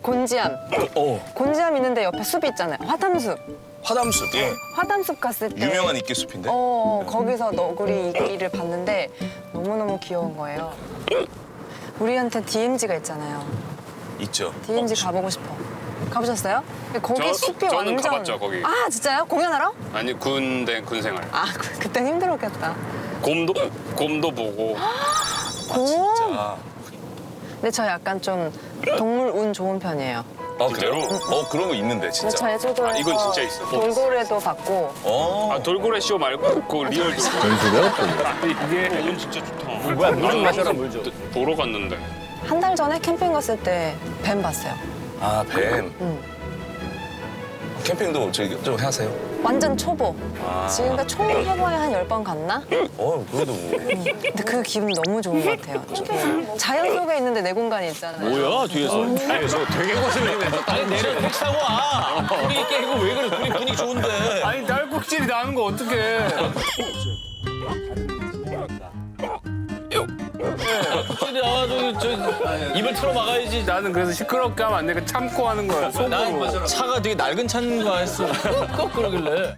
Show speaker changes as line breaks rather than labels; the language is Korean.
곤지암. 곤지암 있는데 옆에 숲이 있잖아요. 화담숲.
화담숲. 예.
화담숲 갔을 때.
유명한 이끼숲인데.
거기서 너구리 이끼를 봤는데 너무너무 귀여운 거예요. 우리한테 DMZ가 있잖아요.
있죠.
DMZ 가보고 싶어. 가보셨어요? 거기 숲이
저는
완전.
가봤죠, 거기.
아 진짜요? 공연하러?
아니 군 생활.
아 그땐 힘들었겠다.
곰도 보고.
곰.
아,
근데 저 약간 좀 동물 운 좋은 편이에요.
그래요? 그런 거 있는데
근데
진짜.
제주도에서
이건 진짜 있어.
돌고래도 봤고
아 돌고래 쇼 말고 그 리얼 돌고래. 이게 이건 진짜 좋다.
뭐야, 물 좀 마셔라, 물 좀.
보러 갔는데.
한 달 전에 캠핑 갔을 때 뱀 봤어요.
아, 뱀.
응.
캠핑도 저기 좀 하세요?
완전 초보. 지금까지 총 해봐야 한 10번 갔나?
그래도 뭐.
근데 그 기분 너무 좋은 것 같아요. 자연 속에 있는데 내 공간이 있잖아요.
뭐야, 뒤에서? 아니, 저 되게 거슬리네. 아니, 내려 택시 타고 와. 분위기 깨고 왜 그래? 분위기 좋은데.
아니 딸꾹질이 나는 거 어떡해.
택시 나와가지고 입을 틀어 막아야지.
나는 그래서 시끄럽게 하면 안 되니까 참고 하는 거야.
난 차가 되게 낡은 차인가 했어. 꺽꺽 그러길래.